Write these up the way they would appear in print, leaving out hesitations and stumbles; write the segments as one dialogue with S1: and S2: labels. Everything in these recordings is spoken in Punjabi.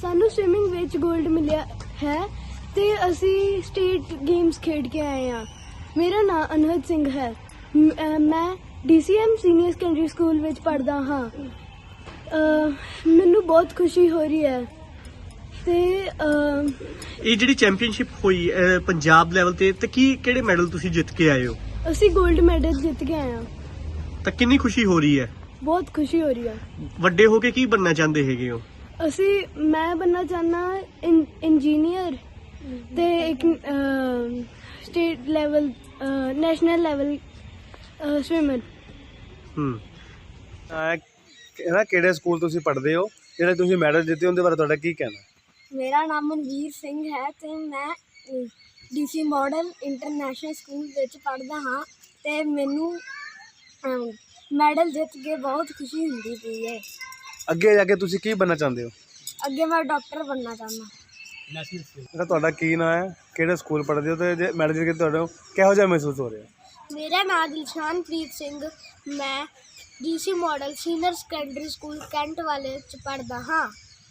S1: ਸਾਨੂੰ ਸਵਿਮਿੰਗ ਵਿੱਚ 골ਡ ਮਿਲਿਆ ਹੈ ਤੇ ਅਸੀਂ ਸਟੇਟ ਗੇਮਸ ਖੇਡ ਕੇ ਆਏ ਹਾਂ। ਮੇਰਾ ਨਾਮ ਅਨਹਦ ਸਿੰਘ ਹੈ। ਮੈਂ DCM ਸੀਨੀਅਰ ਸੈਕੰਡਰੀ ਸਕੂਲ ਵਿੱਚ ਪੜ੍ਹਦਾ ਹਾਂ। ਮੈਨੂੰ ਬਹੁਤ ਖੁਸ਼ੀ ਹੋ ਰਹੀ ਹੈ ਤੇ
S2: ਇਹ ਜਿਹੜੀ ਚੈਂਪੀਅਨਸ਼ਿਪ ਹੋਈ ਪੰਜਾਬ ਲੈਵਲ ਤੇ ਕਿਹੜੇ ਮੈਡਲ ਤੁਸੀਂ ਜਿੱਤ ਕੇ ਆਏ ਹੋ?
S1: ਅਸੀਂ 골ਡ ਮੈਡਲ ਜਿੱਤ ਕੇ ਆਏ ਹਾਂ।
S2: ਤਾਂ ਕਿੰਨੀ ਖੁਸ਼ੀ ਹੋ ਰਹੀ ਹੈ?
S1: ਬਹੁਤ ਖੁਸ਼ੀ ਹੋ ਰਹੀ ਹੈ।
S2: ਵੱਡੇ ਹੋ ਕੇ ਕੀ ਬਣਨਾ ਚਾਹੁੰਦੇ ਹੈਗੇ ਹੋ?
S1: ਮੈਂ ਬਣਨਾ ਚਾਹੁੰਦਾ ਇੰਜੀਨੀਅਰ ਤੇ ਇੱਕ state level national level swimmer.
S3: ਕਿਹੜੇ ਸਕੂਲ ਤੁਸੀਂ ਪੜ੍ਹਦੇ ਹੋ, ਜਿਹੜੇ ਤੁਸੀਂ ਮੈਡਲ ਜਿੱਤੇ ਉਹਦੇ ਬਾਰੇ ਤੁਹਾਡਾ ਕੀ ਕਹਿਣਾ?
S1: ਮੇਰਾ ਨਾਮ ਮਨਵੀਰ ਸਿੰਘ ਹੈ ਤੇ ਮੈਂ DC ਮਾਡਲ ਇੰਟਰਨੈਸ਼ਨਲ ਸਕੂਲ ਵਿੱਚ ਪੜ੍ਹਦਾ ਹਾਂ ਤੇ ਮੈਨੂੰ ਮੈਡਲ ਜਿੱਤ ਕੇ ਬਹੁਤ ਖੁਸ਼ੀ ਹੁੰਦੀ ਪਈ ਹੈ।
S3: ਅੱਗੇ ਜਾ ਕੇ ਤੁਸੀਂ ਕੀ ਬਣਨਾ ਚਾਹੁੰਦੇ ਹੋ?
S1: ਅੱਗੇ ਮੈਂ ਡਾਕਟਰ ਬਣਨਾ ਚਾਹੁੰਦਾ।
S3: ਤੁਹਾਡਾ ਕੀ ਨਾਮ ਹੈ, ਕਿਹੜੇ ਸਕੂਲ ਪੜ੍ਹਦੇ ਹੋ ਤੇ ਜੇ ਮੈਡਲ ਜਿੱਤ ਕੇ ਤੁਹਾਡਾ ਕਿਹੋ ਜਿਹਾ ਮਹਿਸੂਸ ਹੋ ਰਿਹਾ?
S1: ਮੇਰਾ ਨਾਮ ਦਿਲਸ਼ਾਨਪ੍ਰੀਤ ਸਿੰਘ, ਮੈਂ DC model senior secondary school cantt ਵਾਲੇ 'ਚ ਪੜ੍ਹਦਾ ਹਾਂ।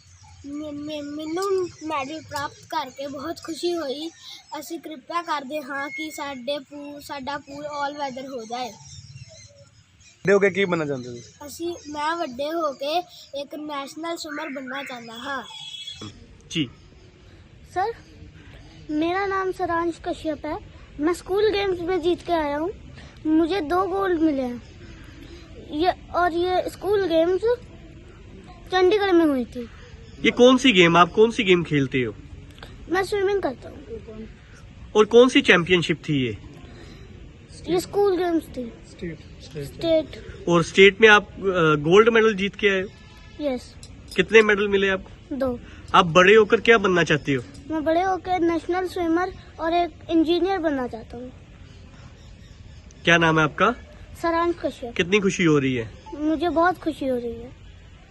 S1: ਮੈਨੂੰ ਮੈਡਲ ਪ੍ਰਾਪਤ ਕਰਕੇ ਬਹੁਤ ਖੁਸ਼ੀ ਹੋਈ। ਅਸੀਂ ਕਿਰਪਾ ਕਰਦੇ ਹਾਂ ਕਿ ਸਾਡਾ ਪੂਲ ਆਲ ਵੈਦਰ ਹੋ ਜਾਏ।
S3: ਵੱਡੇ ਹੋ ਕੇ ਕੀ ਬਣਨਾ ਚਾਹੁੰਦੇ ਹੋ?
S1: ਮੈਂ ਵੱਡੇ ਹੋ ਕੇ ਇੱਕ नेशनल स्विमर बनना चाहता हाँ
S2: जी।
S1: सर, मेरा नाम सरांश कश्यप है। मैं स्कूल गेम्स में जीत के आया हूँ। मुझे 2 गोल्ड मिले हैं। ये स्कूल गेम्स चंडीगढ़ में हुई थी।
S2: ये कौन सी गेम, आप कौन सी गेम खेलते हो?
S1: मैं स्विमिंग करता हूँ।
S2: और कौन सी चैंपियनशिप थी
S1: ये स्कूल गेम्स थी। स्टेट।
S2: और स्टेट में आप गोल्ड मेडल जीत के आए हो?
S1: यस।
S2: कितने मेडल मिले आपको?
S1: 2।
S2: आप बड़े होकर क्या बनना चाहते हो?
S1: मैं बड़े होकर नेशनल स्विमर और एक इंजीनियर बनना चाहता हूँ।
S2: क्या नाम है आपका?
S1: सरांश कश्यप।
S2: कितनी खुशी हो रही है?
S1: मुझे बहुत खुशी हो रही है।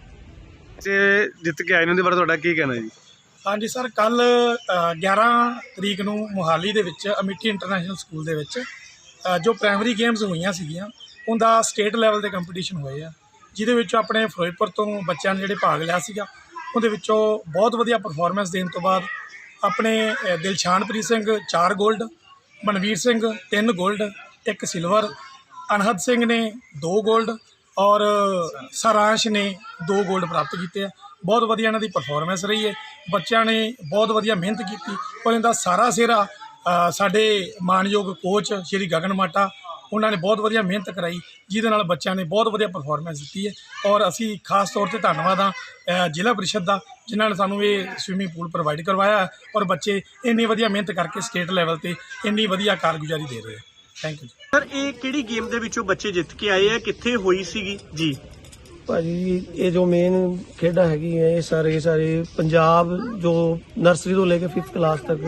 S3: ਜਿੱਤ ਕੇ ਆਏ ਨੇ ਉਹਦੇ ਬਾਰੇ ਤੁਹਾਡਾ ਕੀ ਕਹਿਣਾ ਜੀ?
S4: ਹਾਂਜੀ ਸਰ, ਕੱਲ 11 ਤਰੀਕ ਨੂੰ ਮੋਹਾਲੀ ਦੇ ਵਿੱਚ ਅਮਿਟੀ ਇੰਟਰਨੈਸ਼ਨਲ ਸਕੂਲ ਦੇ ਵਿੱਚ ਜੋ ਪ੍ਰਾਇਮਰੀ ਗੇਮਸ ਹੋਈਆਂ ਸੀਗੀਆਂ ਉਹਦਾ ਸਟੇਟ ਲੈਵਲ ਦੇ ਕੰਪੀਟੀਸ਼ਨ ਹੋਏ ਆ, ਜਿਹਦੇ ਵਿੱਚ ਆਪਣੇ ਫਿਰੋਜ਼ਪੁਰ ਤੋਂ ਬੱਚਿਆਂ ਨੇ ਜਿਹੜੇ ਭਾਗ ਲਿਆ ਸੀਗਾ ਉਹਦੇ ਵਿੱਚੋਂ ਬਹੁਤ ਵਧੀਆ ਪਰਫਾਰਮੈਂਸ ਦੇਣ ਤੋਂ ਬਾਅਦ ਆਪਣੇ ਦਿਲਸ਼ਾਨਪ੍ਰੀਤ ਸਿੰਘ 4 골ਡ, ਮਨਵੀਰ ਸਿੰਘ 3 골ਡ, 1 ਸਿਲਵਰ, ਅਨਹਦ ਸਿੰਘ ਨੇ 2 골ਡ ਔਰ ਸਾਰਾਂਸ਼ ਨੇ 2 골ਡ ਪ੍ਰਾਪਤ ਕੀਤੇ ਆ। ਬਹੁਤ ਵਧੀਆ ਇਹਨਾਂ ਦੀ ਪਰਫਾਰਮੈਂਸ ਰਹੀ ਹੈ। ਬੱਚਿਆਂ ਨੇ ਬਹੁਤ ਵਧੀਆ ਮਿਹਨਤ ਕੀਤੀ ਔਰ ਇਹਦਾ ਸਾਰਾ ਸਿਹਰਾ ਸਾਡੇ ਮਾਣਯੋਗ ਕੋਚ ਸ਼੍ਰੀ ਗਗਨ ਮਾਟਾ ਉਹਨਾਂ ਨੇ ਬਹੁਤ ਵਧੀਆ ਮਿਹਨਤ ਕਰਾਈ, ਜਿਹਦੇ ਨਾਲ ਬੱਚਿਆਂ ਨੇ ਬਹੁਤ ਵਧੀਆ ਪਰਫਾਰਮੈਂਸ ਦਿੱਤੀ ਹੈ। ਔਰ ਅਸੀਂ ਖਾਸ ਤੌਰ 'ਤੇ ਧੰਨਵਾਦ ਹਾਂ ਜ਼ਿਲ੍ਹਾ ਪਰਿਸ਼ਦ ਦਾ, ਜਿਨ੍ਹਾਂ ਨੇ ਸਾਨੂੰ ਇਹ ਸਵਿਮਿੰਗ ਪੂਲ ਪ੍ਰੋਵਾਈਡ ਕਰਵਾਇਆ ਔਰ ਬੱਚੇ ਇੰਨੀ ਵਧੀਆ ਮਿਹਨਤ ਕਰਕੇ ਸਟੇਟ ਲੈਵਲ 'ਤੇ ਇੰਨੀ ਵਧੀਆ ਕਾਰਗੁਜ਼ਾਰੀ ਦੇ ਰਹੇ। Thank you
S2: sir. ਇਹ ਕਿਹੜੀ ਗੇਮ ਦੇ ਵਿੱਚੋਂ ਬੱਚੇ ਜਿੱਤ ਕੇ ਆਏ ਆ, ਕਿੱਥੇ ਹੋਈ ਸੀਗੀ ਜੀ?
S5: ਭਾਜੀ ਇਹ ਜੋ ਮੇਨ ਖੇਡਾਂ ਹੈਗੀ ਹੈ ਇਹ ਸਾਰੇ ਪੰਜਾਬ ਜੋ ਨਰਸਰੀ ਤੋਂ ਲੈ ਕੇ 5th ਕਲਾਸ ਤੱਕ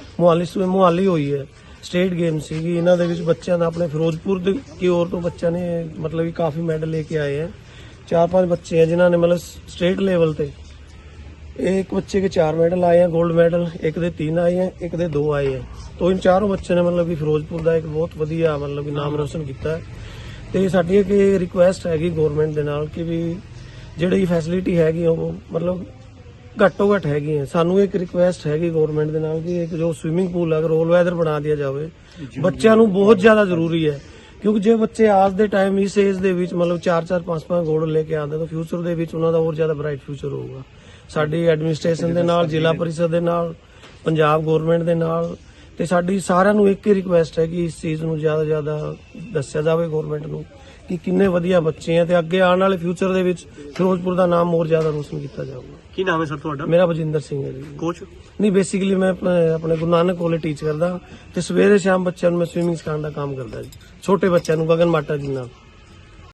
S5: ਮੁਹਾਲੀ ਹੋਈ ਹੈ। ਸਟੇਟ ਗੇਮ ਸੀਗੀ। ਇਹਨਾਂ ਦੇ ਵਿੱਚ ਬੱਚਿਆਂ ਦਾ ਆਪਣੇ ਫਿਰੋਜ਼ਪੁਰ ਦੀ ਔਰ ਤੋਂ ਬੱਚਿਆਂ ਨੇ ਮਤਲਬ ਕਿ ਕਾਫੀ ਮੈਡਲ ਲੈ ਕੇ ਆਏ ਹੈ। 4-5 ਬੱਚੇ हैं जिन्होंने मतलब स्टेट लेवल पे, एक बच्चे के 4 मेडल आए हैं गोल्ड मेडल, एक दे 3 आए हैं, एक दे 2 आए हैं। तो इन चारों बच्चों ने मतलब कि फिरोजपुर का एक बहुत वधिया मतलब कि नाम रोशन किया है। तो साडी एक रिक्वेस्ट हैगी गौरमेंट दे नाल कि भी जिहड़ी फैसिलिटी हैगी वो मतलब घट्टो घट हैगी है। सानू एक रिक्वेस्ट हैगी गौरमेंट दे नाल कि एक जो स्विमिंग पूल अगर ऑल वेदर बना दिया जाए, बच्चों नू बहुत ज्यादा जरूरी है। क्योंकि जो बच्चे आज दे टाइम इस एज दे विच मतलब 4-4 5-5 गोल्ड लेके आते तो फ्यूचर दे विच उन्हां दा होर ज्यादा ब्राइट फ्यूचर होगा। साडी एडमिनिस्ट्रेशन दे नाल, जिला परिषद दे नाल, पंजाब गौरमेंट दे नाल ते साडी सारिਆਂ ਨੂੰ ਇੱਕ ਹੀ ਰਿਕੁਐਸਟ ਹੈ ਕਿ ਇਸ ਚੀਜ਼ ਨੂੰ ਜ਼ਿਆਦਾ ਦੱਸਿਆ ਜਾਵੇ ਗੌਰਮੈਂਟ ਨੂੰ ਕਿ ਕਿੰਨੇ ਵਧੀਆ ਬੱਚੇ ਆ ਤੇ ਅੱਗੇ ਆਉਣ ਵਾਲੇ ਫਿਊਚਰ ਦੇ ਵਿੱਚ ਫਿਰੋਜ਼ਪੁਰ ਦਾ ਨਾਮ ਹੋਰ ਜ਼ਿਆਦਾ ਰੋਸ਼ਨ ਕੀਤਾ ਜਾਊਗਾ।
S2: ਕੀ ਨਾਮ ਹੈ ਸਰ ਤੁਹਾਡਾ?
S5: ਮੇਰਾ ਬਜਿੰਦਰ ਸਿੰਘ ਹੈ ਜੀ।
S2: ਕੋਚ?
S5: ਨਹੀਂ, ਬੇਸਿਕਲੀ ਮੈਂ ਆਪਣੇ ਗੁਰੂ ਨਾਨਕ ਕਾਲਜ ਟੀਚ ਕਰਦਾ ਤੇ ਸਵੇਰੇ ਸ਼ਾਮ ਬੱਚਿਆਂ ਨੂੰ ਮੈਂ ਸਵਿਮਿੰਗ ਸਿਖਾਉਣ ਦਾ ਕੰਮ ਕਰਦਾ ਜੀ, ਛੋਟੇ ਬੱਚਿਆਂ ਨੂੰ ਗਗਨ ਮਾਟਾ ਜੀ ਨਾਲ।